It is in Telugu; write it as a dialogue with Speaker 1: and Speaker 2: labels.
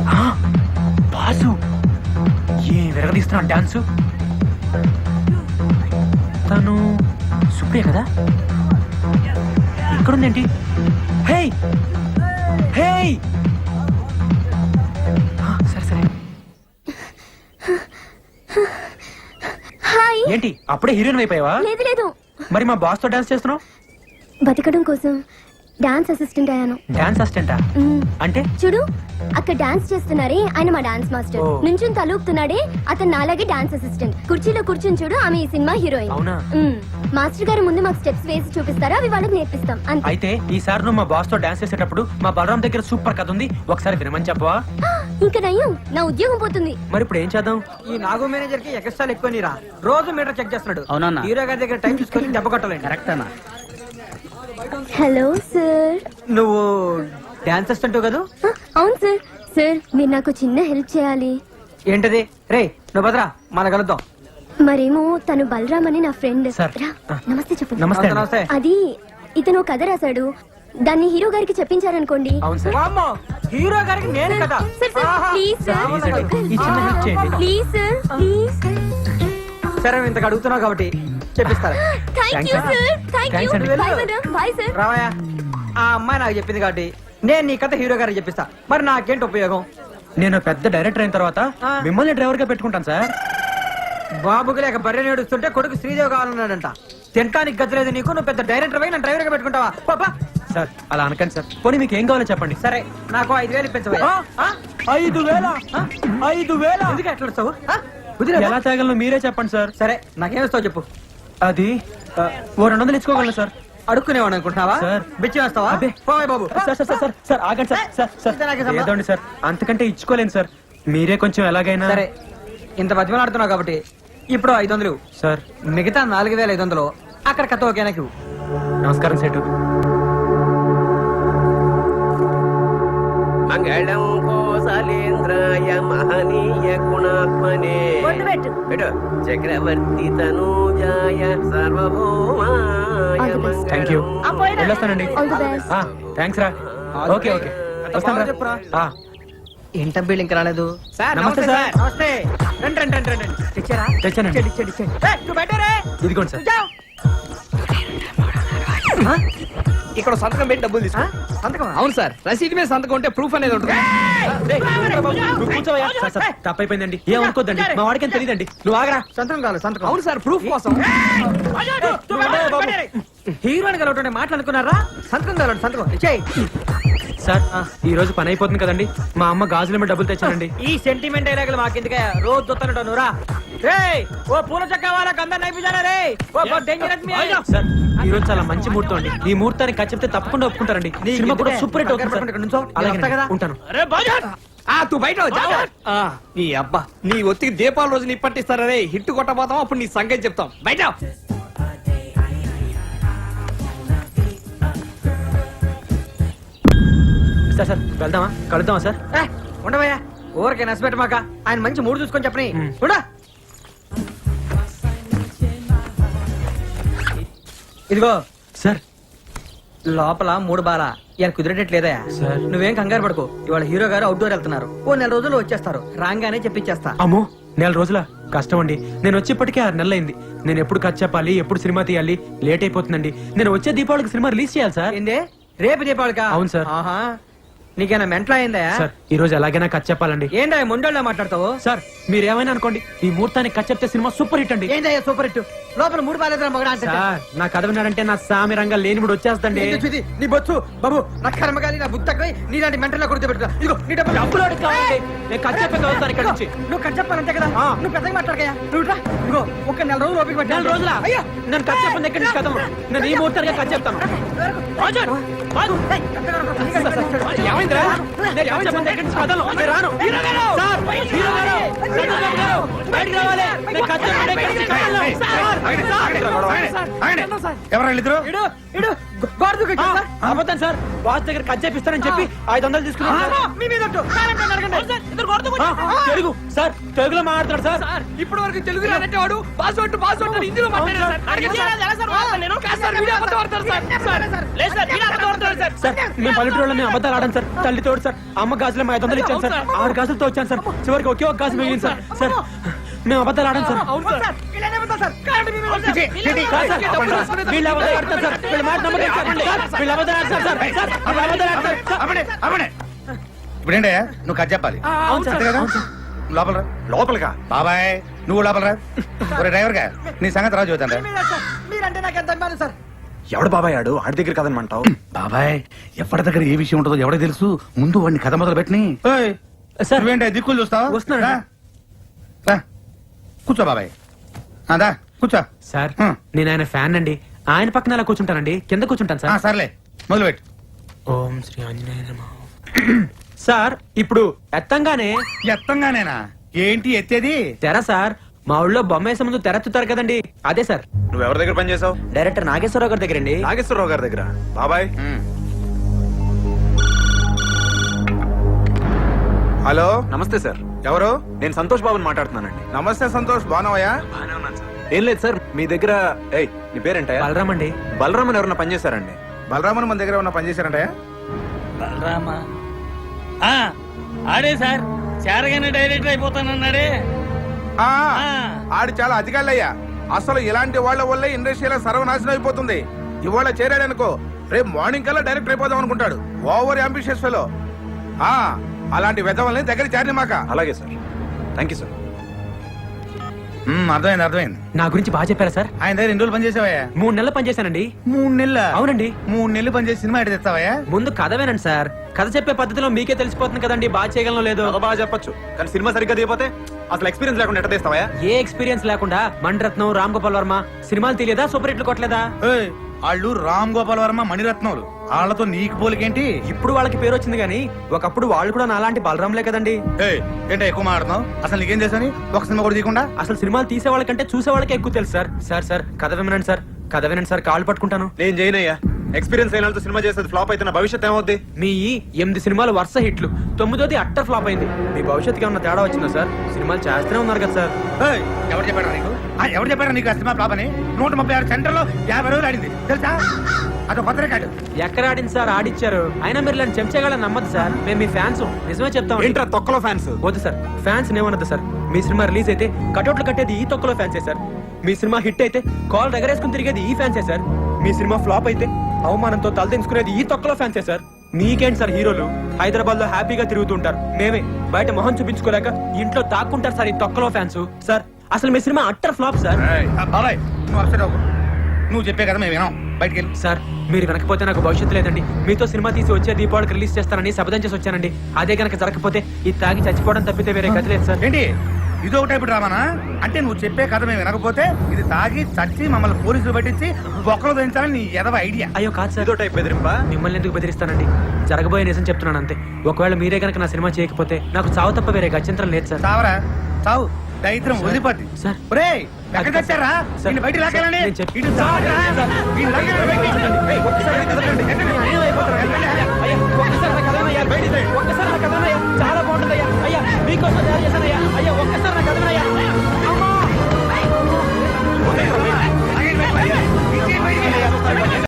Speaker 1: బాసు ఏ విరగదీస్తున్నాడు డాన్సు. తను సుప్రియ కదా, ఇక్కడుందేంటి? హే హే సరే సరే.
Speaker 2: హాయ్.
Speaker 1: ఏంటి అప్పుడే హీరోయిన్ అయిపోయావా?
Speaker 2: లేదు లేదు,
Speaker 1: మరి మా బాస్ తో డాన్స్ చేస్తున్నావు?
Speaker 2: బతకడం కోసం డాన్స్ అసిస్టెంట్ అయ్యాను.
Speaker 1: డాన్స్ అసిస్టెంటా? అంటే
Speaker 2: చూడు, అక్కడ డాన్స్ చేస్తున్నారే ఆయన మా డాన్స్ మాస్టర్. నుంచుని తలూపుతున్నాడే అతను నాలాగే డాన్స్ అసిస్టెంట్. కుర్చీలో కూర్చుని చూడు, ఆమె ఈ సినిమా హీరోయిన్.
Speaker 1: అవునా?
Speaker 2: మాస్టర్ గారు ముందు మాకు స్టెప్స్ వేసి చూపిస్తారా, అవి వాళ్ళకి నేర్పిస్తాం అంతే.
Speaker 1: అయితే ఈసారి నువ్వు మా బాస్ తో డాన్స్ చేసేటప్పుడు మా బలరాం దగ్గర సూపర్ కథ ఉంది, ఒకసారి వినమని చెప్పవా?
Speaker 2: ఇంకా నయ్యం, నా ఉద్యోగం పోతుంది.
Speaker 1: మరి ఇప్పుడు ఏం చేద్దాం?
Speaker 3: ఈ నాగు మేనేజర్ కి ఎక్స్ట్రా ఎక్కువ నీరా, రోజు మీటర్ చెక్ చేస్తున్నాడు.
Speaker 4: అవునన్నా.
Speaker 3: హీరో గారి దగ్గర టైం చూసుకొని దెబ్బ కొట్టాలండి.
Speaker 4: కరెక్ట్ అన్న.
Speaker 2: Hello sir.
Speaker 3: నువ్వు డాన్స్ అసిస్టెంట్ కదా?
Speaker 2: అవును సార్. సార్ మీరు నాకు చిన్న హెల్ప్ చేయాలి.
Speaker 3: ఏంటది? రే నువ్వు భద్రా, మన కలుద్దాం.
Speaker 2: మరేమో తను బలరామ్ అని నా ఫ్రెండ్.
Speaker 1: సార్.
Speaker 2: నమస్తే చెప్పండి.
Speaker 1: నమస్తే.
Speaker 3: నమస్తే.
Speaker 2: అది ఇతను కథ రాశాడు, దాన్ని హీరో గారికి చెప్పించారనుకోండి.
Speaker 1: అవును సార్.
Speaker 3: వామ్మో, హీరో గారికి నేను కదా.
Speaker 2: Sir, sir, please sir.
Speaker 1: Please అండి, ఈ చిన్న హెల్ప్ చేయండి.
Speaker 2: Please sir, please.
Speaker 3: సరే నువ్వు ఇంతకు అడుగుతున్నావు కాబట్టి చెప్పిస్తారా?
Speaker 2: Thank you sir. Thank you.
Speaker 1: Thanks అండి.
Speaker 2: Bye madam. Bye sir.
Speaker 3: రావయ్యా, ఆ అమ్మాయి నాకు చెప్పింది కాబట్టి నేను నీ కథ హీరో గారికి చెప్పిస్తా. మరి నాకేంటి ఉపయోగం?
Speaker 1: నేను పెద్ద డైరెక్టర్ అయిన తర్వాత మిమ్మల్ని డ్రైవర్ గా పెట్టుకుంటాను సార్.
Speaker 3: బాబుకి లేక బర్రె నేడుస్తుంటే కొడుకు శ్రీదేవి కావాలన్నాడంట. తినడానికి గతిలేదు నీకు, నువ్వు పెద్ద డైరెక్టర్ అయి నన్ను డ్రైవర్ గా పెట్టుకుంటావా? పాపా
Speaker 1: సార్ అలా అనకండి సార్. పోనీ మీకు ఏం కావాలో చెప్పండి.
Speaker 3: సరే నాకు 5,000 ఇప్పించవా?
Speaker 1: 5,000? 5,000
Speaker 3: ఎందుకు ఎట్లా వస్తావు?
Speaker 1: ఎలా తేగలను మీరే చెప్పండి సార్.
Speaker 3: సరే నాకేమిస్తావు చెప్పు.
Speaker 1: అది ఓ 200 ఇచ్చుకోగలను సార్.
Speaker 3: అడుక్కునేవాడు అనుకుంటున్నావా?
Speaker 1: సార్.
Speaker 3: బిచ్చి వేస్తావా?
Speaker 1: అబ్బే.
Speaker 3: పోయ్ బాబు.
Speaker 1: సార్ సార్ సార్ సార్ ఆగండి సార్. సార్ సార్
Speaker 3: ఇది నాకే సంబంధం.
Speaker 1: ఏదోండి సార్, అంతకంటే ఇచ్చుకోలేను సార్. మీరే కొంచెం ఎలాగైనా.
Speaker 3: సరే ఇంత బతిమలాడుతున్నావు కాబట్టి ఇప్పుడు 500
Speaker 1: సార్.
Speaker 3: మిగతా 4,500 అక్కడ కథ ఓకేనాకి.
Speaker 1: నమస్కారం సేటు.
Speaker 5: మంగళం కోసలేంద్రాయ మహనీయ గుణాత్మనే చక్రవర్తి తనూజాయ సర్వభౌమాయ
Speaker 1: థ్యాంక్ యూ. వెళ్ళొస్తానండి.
Speaker 2: All the best.
Speaker 1: థ్యాంక్స్ రా. ఓకే ఓకే వస్తాను
Speaker 3: చెప్పురా.
Speaker 1: రా.
Speaker 3: ఏంట బిల్ ఇంకా రాలేదు.
Speaker 1: నమస్తే సార్.
Speaker 3: నమస్తే. రండి రండి రండి రండి. తెచ్చారా?
Speaker 1: తెచ్చానండి.
Speaker 3: ఇచ్చేయండి, ఇచ్చేయండి. ఏయ్, నువ్వు బయటరే.
Speaker 1: ఇదిగోండి సార్.
Speaker 3: జావ్.
Speaker 4: ఇక్కడ సంతకం పెట్టి డబ్బులు తీసుకో.
Speaker 3: సంతకమా?
Speaker 4: అవును సార్, రసీదు మీద సంతకం ఉంటే ప్రూఫ్ అనేది ఉంటుంది.
Speaker 1: నువ్వు కూర్చోవయ్యా. Sir, sir, తప్పైపోయిందండి, ఏమనుకోద్దండి. మా వాడికి తెలియదండి. నువ్వు ఆగరా.
Speaker 3: సంతకం కావాలి, సంతకం.
Speaker 4: అవును సార్, ప్రూఫ్ కోసం.
Speaker 3: హీరోని కలవటం మాట్లాడుకున్నారా? సంతకం కావాలి, సంతకం ఇచ్చేయి.
Speaker 1: సార్ ఈ రోజు పని అయిపోతుంది కదండి, మా అమ్మ గాజుల మీద డబ్బులు తెచ్చానండి.
Speaker 3: ఈ సెంటిమెంట్ డైలాగులు మాకెందుకే? రోజు చూస్తాను నువ్వురా. రేయ్, ఓ పూల చక్క వాళ్ళకి అందరు నైపుజారా రే. ఓ డేంజరస్ మీ.
Speaker 1: సార్ ఈ రోజు చాలా మంచి ముహూర్తం అండి. ఈ ముహూర్తాన్ని చెప్తే తప్పకుండా ఒప్పుకుంటారండి. సినిమా కూడా సూపర్ హిట్ అవుతుంది సార్. అలాగే
Speaker 3: కదా
Speaker 1: ఉంటాను.
Speaker 4: తూ బయట నీ అబ్బా, నీ ఒత్తికి దీపాల రోజు నీ పట్టిస్తారా రే. హిట్ కొట్టబోతాం, అప్పుడు నీ సంగతి చెప్తాం. బయట
Speaker 1: సార్ సార్ వెళ్దామా, కలుద్దామా సార్?
Speaker 3: ఉండవయ్యా, ఊరికే నచ్చబెట్టమాక. ఆయన మంచి మూడు చూసుకొని చెప్పని. ఉండా. ఇదిగో
Speaker 1: సార్.
Speaker 3: లోపల 3 బాల ఇలా కుదిరేటట్లేదా?
Speaker 1: సార్.
Speaker 3: నువ్వేం కంగారు పడుకో. ఇవాళ హీరో గారు అవుట్డోర్ వెళ్తున్నారు. ఓ 4 రోజుల్లో వచ్చేస్తారు. రాగానే చెప్పించేస్తా.
Speaker 1: అమ్మో 4 రోజుల కష్టం అండి. నేను వచ్చేప్పటికే 6 నెలలు అయింది. నేను ఎప్పుడు ఖర్చు చెప్పాలి, ఎప్పుడు సినిమా తీయాలి, లేట్ అయిపోతుందండి. నేను వచ్చే దీపావళికి సినిమా రిలీజ్ చేయాలి సార్.
Speaker 3: ఏందే రేపు దీపావళికా?
Speaker 1: అవును సార్.
Speaker 3: ఆహా, నీకేనా మెంటల్ అయిందా?
Speaker 1: సార్ ఈ రోజు ఎలాగైనా ఖర్చు చెప్పాలండి.
Speaker 3: ఏందా మొండోళ్ళ మాట్లాడతావు?
Speaker 1: సార్ మీరు ఏమైనా అనుకోండి, ఈ ముహూర్తానికి ఖర్చు చెప్తే సినిమా సూపర్ హిట్ అండి.
Speaker 3: ఏందయ్యా సూపర్ హిట్? లోపల 3 బాలేదా మగడా అంటే?
Speaker 1: సార్ నా కథ విన్నాడంటే నా సామి రంగా లేని కూడా వచ్చేస్తండి.
Speaker 3: నీ బొచ్చు బాబు, నా కర్మగాలి, నా బుద్ధకై నీలాంటి మెంటల్ కొడుతూ పెట్టుకో. ఇదిగో నీ డబ్బులు.
Speaker 1: డబ్బులు అడిగి కావాలండి. నేను ఖర్చు చెప్పే చదువుతాను ఇక్కడ నుంచి.
Speaker 3: నువ్వు ఖర్చు చెప్పాలంతే కదా. నువ్వు పెద్దగా మాట్లాడకయ్యా. నువ్వు ఇట్రా. ఇదిగో ఒక 4 రోజులు ఓపిక పట్టు.
Speaker 1: 4 రోజులా?
Speaker 3: అయ్యో,
Speaker 1: నేను ఖర్చు చెప్పిన దగ్గర నుంచి కథ నేను ఈ ముహూర్తానికి ఖర్చు చెప్తాను. ఏమైందిరా? నేను ఖర్చు చెప్పిన దగ్గర నుంచి కథలు నేను రాను. సార్, హీరో గారు, సంతోష్ గారు, బయటికి రావాలి. నేను ఖర్చు చెప్పిన దగ్గర నుంచి కథలు. అబద్ధం సార్. బాస్ దగ్గర ఖర్చు చేపిస్తానని చెప్పి 500 తీసుకున్నాను.
Speaker 3: మీ మీద ఒట్టు. కావాలంటే అడగండి.
Speaker 1: తెలుగు సార్, తెలుగులో మాట్లాడతాడు సార్.
Speaker 4: సార్ ఇప్పటి వరకు తెలుగు రాదంటే వాడు పాస్వర్డ్ అని హిందీలో మాట్లాడారు సార్. అడగండి సార్. కాదు సార్, వీడే అబద్ధం ఆడతారు సార్.
Speaker 1: సార్ మేము పల్లెటూరులో మేము అబద్ధాలు ఆడాం సార్. తల్లి తోడు సార్, అమ్మ గాజులో మా 500 ఇచ్చాను సార్. 6 గాజులతో వచ్చాను సార్. చివరికి ఒకే ఒక గాజు మిగిలింది సార్. సార్ మేము అబద్ధాలు ఆడాం సార్.
Speaker 4: అవును సార్.
Speaker 1: వీళ్ళు అబద్ధాలు ఆడతారు సార్. వీళ్ళ మాట నమ్మకం సార్. వీళ్ళు అబద్ధాలు ఆడతారు సార్. సార్ వీళ్ళు అబద్ధాలు ఆడతారు సార్.
Speaker 6: ఇప్పుడేంటయ్యా నువ్వు కథ చెప్పాలి
Speaker 1: అవును సార్.
Speaker 6: అంతే కదా లోపల రా.
Speaker 7: లోపలిగా
Speaker 6: బాబాయ్ నువ్వు లోపల రా. ఒరే డ్రైవర్ గా నీ సంగతి రాజు చూద్దాం రా.
Speaker 3: మీరంటే నాకు ఎంత అభిమానం సార్.
Speaker 7: ఎవడు బాబాయ్ ఆడు ఆడి దగ్గర కదనమంటావు?
Speaker 6: బాబాయ్ ఎవరి దగ్గర ఏ విషయం ఉంటుందో ఎవరికి తెలుసు. ముందు వాడిని కథ మొదలు పెట్టిని.
Speaker 1: సార్
Speaker 6: నువ్వేంటే దిక్కులు చూస్తావా?
Speaker 1: వస్తున్నాను.
Speaker 6: రా. రా. కూర్చో బాబాయ్. అదా కూర్చో.
Speaker 1: సార్ నేను ఆయన ఫ్యాన్ అండి. ఆయన పక్కన అలా కూర్చుంటానండి. కింద కూర్చుంటాను సార్.
Speaker 6: సర్లే మొదలు పెట్టు.
Speaker 1: ఓం శ్రీ ఆంజనేయ నమః. సార్ ఇప్పుడు ఎత్తంగానే
Speaker 6: ఎత్తంగానేనా ఏంటి ఎత్తేది?
Speaker 1: తెర సార్. మా ఊళ్ళో బొమ్మ వేసే ముందు తెరెత్తుతారు కదండి, అదే సార్.
Speaker 7: నువ్వు ఎవరి దగ్గర పని చేసావు?
Speaker 1: డైరెక్టర్ నాగేశ్వరరావు గారి దగ్గర అండి.
Speaker 7: నాగేశ్వరరావు గారి దగ్గర. బాబాయ్
Speaker 8: హలో
Speaker 7: నమస్తే సార్.
Speaker 8: ఎవరు?
Speaker 7: నేను సంతోష్ బాబుని మాట్లాడుతున్నానండి.
Speaker 8: నమస్తే సంతోష్, బాగున్నావయ్యా?
Speaker 7: బాగానే ఉన్నాను సార్. ఏం లేదు సార్, మీ దగ్గర నీ పేరేంటయ్యా?
Speaker 1: బలరామ్ అండి.
Speaker 7: బలరామన్ ఎవరన్నా పని చేశారండి?
Speaker 8: బలరామన్ మన దగ్గర ఉన్న పని చేశారంటయ్యా?
Speaker 9: బలరామా ఆడే సార్, చేరగానే డైరెక్టర్ అయిపోతానన్నాడే.
Speaker 8: ఆ, ఆడు చాలా అధికారులయ్యా. అసలు ఇలాంటి వాళ్ళ వల్లే ఇండస్ట్రీలో సర్వనాశనం అయిపోతుంది. ఇవాళ చేరాడనుకో రేపు మార్నింగ్ కల్లా డైరెక్టర్ అయిపోదాం అనుకుంటాడు. Over ambitious fellow. అలాంటి వెధవల్ని దగ్గర చేరిన మాక.
Speaker 7: అలాగే సార్, థ్యాంక్ యూ సార్.
Speaker 6: అర్థమైంది అర్థమైంది.
Speaker 1: నా గురించి బాగా చెప్పారా సార్?
Speaker 6: ఆయన దగ్గర 2 రోజులు పని చేసావయ్యా?
Speaker 1: 3 నెలలు పనిచేశానండి.
Speaker 6: 3 నెలల?
Speaker 1: అవునండి.
Speaker 6: 3 నెలలు పని చేసి సినిమా ఎటు తెస్తావయ్యా?
Speaker 1: ముందు కథ వినండి సార్. కథ చెప్పే పద్ధతిలో మీకే తెలిసిపోతుంది కదండి బాగా చేయగలను లేదో.
Speaker 7: బాగా చెప్పొచ్చు, కానీ సినిమా సరిగ్గా తీయపోతే అసలు ఎక్స్పీరియన్స్ లేకుండా ఎట్ట తీస్తావా?
Speaker 1: ఏ ఎక్స్పీరియన్స్ లేకుండా మణిరత్నం, రామ్ గోపాల్ వర్మ సినిమాలు తెలియదా? సూపర్ హిట్లు కొట్టలేదా?
Speaker 6: వాళ్ళు రామ్ గోపాల్ వర్మ, మణిరత్నములు. వాళ్ళతో నీకు పోలికేంటి?
Speaker 1: ఇప్పుడు వాళ్ళకి పేరు వచ్చింది కానీ ఒకప్పుడు వాళ్ళు కూడా నాలాంటి బలరాంలే కదండి.
Speaker 6: ఏంటో ఎక్కువ మాట్లాడుతున్నావు? అసలు నీకేం చేశాని ఒక సినిమా కూడా తీయకుండా?
Speaker 1: అసలు సినిమాలు తీసే వాళ్ళకంటే చూసే వాళ్ళకే ఎక్కువ తెలుసు సార్. సార్ సార్ కథ వినండి సార్, కథ వినండి సార్, కాళ్ళు పట్టుకుంటాను.
Speaker 7: నేను చేయనయ్యా. ఎక్స్పీరియన్స్ అయిన వాళ్ళతో సినిమా చేసేది ఫ్లాప్ అయితే నా భవిష్యత్ ఏమవుద్ది?
Speaker 1: మీ 8 సినిమాలు వరుస హిట్లు, 9ది అట్టర్ ఫ్లాప్ అయింది. మీ భవిష్యత్తుకి ఏమన్నా తేడా వచ్చిందా సార్? సినిమాలు చేస్తూనే ఉన్నారు కదా సార్.
Speaker 6: ఎవరు చెప్పారా నీకు? ఎవరు చెప్పారా నీకు ఆ సినిమా ఫ్లాప్ అని? 136 సెంటర్లో 50 రోజులు ఆడింది తెలుసా? అదో కొత్త రికార్డు.
Speaker 1: ఎక్కడ ఆడింది సార్? ఆడిచ్చారు. అయినా మీరు ఇలాంటి చెంచగాళ్ళని నమ్మదు సార్. మేము మీ ఫ్యాన్స్, నిజమే చెప్తాం.
Speaker 7: ఏంట్రా తొక్కలో ఫ్యాన్స్?
Speaker 1: వద్దు సార్, ఫ్యాన్స్ ఏమన్నది సార్. మీ సినిమా రిలీజ్ అయితే కటౌట్లు కట్టేది ఈ తొక్కలో ఫ్యాన్సే సార్. మీ సినిమా హిట్ అయితే కాల్ ఎగరేసుకుని తిరిగేది ఈ ఫ్యాన్సే సార్. మీ సినిమా ఫ్లాప్ అయితే అవమానంతో తలదించుకునేది ఈ తొక్కలో ఫ్యాన్సే సార్. మీకేంటి సార్ హీరోలు హైదరాబాద్ లో హ్యాపీగా తిరుగుతుంటారు, మేమే బయట మొహం చూపించుకోలేక ఇంట్లో దాక్కుంటారు సార్ ఈ తొక్కలో ఫ్యాన్స్. సార్ అసలు మీ సినిమా అట్టర్ ఫ్లాప్ సార్.
Speaker 6: బాబాయ్ నువ్వు అప్సెట్ అవ్వకు. నువ్వు చెప్పే కదా మేము వినాం. బయటికి వెళ్ళి.
Speaker 1: సార్ మీరు వెనకపోతే నాకు భవిష్యత్తు లేదండి. మీతో సినిమా తీసి వచ్చే దీపావళికి రిలీజ్ చేస్తానని శపథం చేసి వచ్చానండి. అదే కనుక జరగకపోతే ఈ తాగి చచ్చిపోవడం తప్పితే వేరే గతి లేదు సార్.
Speaker 6: ఏంటి ఇదో టైపు డ్రామానా? అంటే నువ్వు చెప్పే కథ మేము వినకపోతే ఇది తాగి చచ్చి మమ్మల్ని పోలీసులు పట్టించి బొక్కలు దించాలని నీ ఎదవ ఐడియా.
Speaker 1: అయ్యో కాదు సార్,
Speaker 7: ఇదో టైప్ బెదిరింపా?
Speaker 1: మిమ్మల్ని ఎందుకు బెదిరిస్తానండి? జరగబోయే నిజం చెప్తున్నాను అంతే. ఒకవేళ మీరే కనుక నా సినిమా చేయకపోతే నాకు చావు తప్ప వేరే గత్యంతరం లేదు సార్.
Speaker 6: చావరా చావు, దరిద్రం వదిలిపోద్ది.
Speaker 1: సార్.
Speaker 6: ఒరేయ్ ఎక్కడ తెచ్చారా?
Speaker 1: సార్.
Speaker 6: నిన్ను బయటికి లాక్కెళ్ళండి.
Speaker 1: నేను చెప్పి-
Speaker 6: ఇటు చావరా? నిన్ను లాక్కెళ్ళండి బయటికి. ఏయ్, ఒక్కసారి కదలండి. ఎక్కడ?
Speaker 1: అయ్యో, అయిపోతారు. అయ్యో, ఒక్కసారి నా కథ అయ్యారు, బయటికి రండి. ఒక్కసారి నా కథ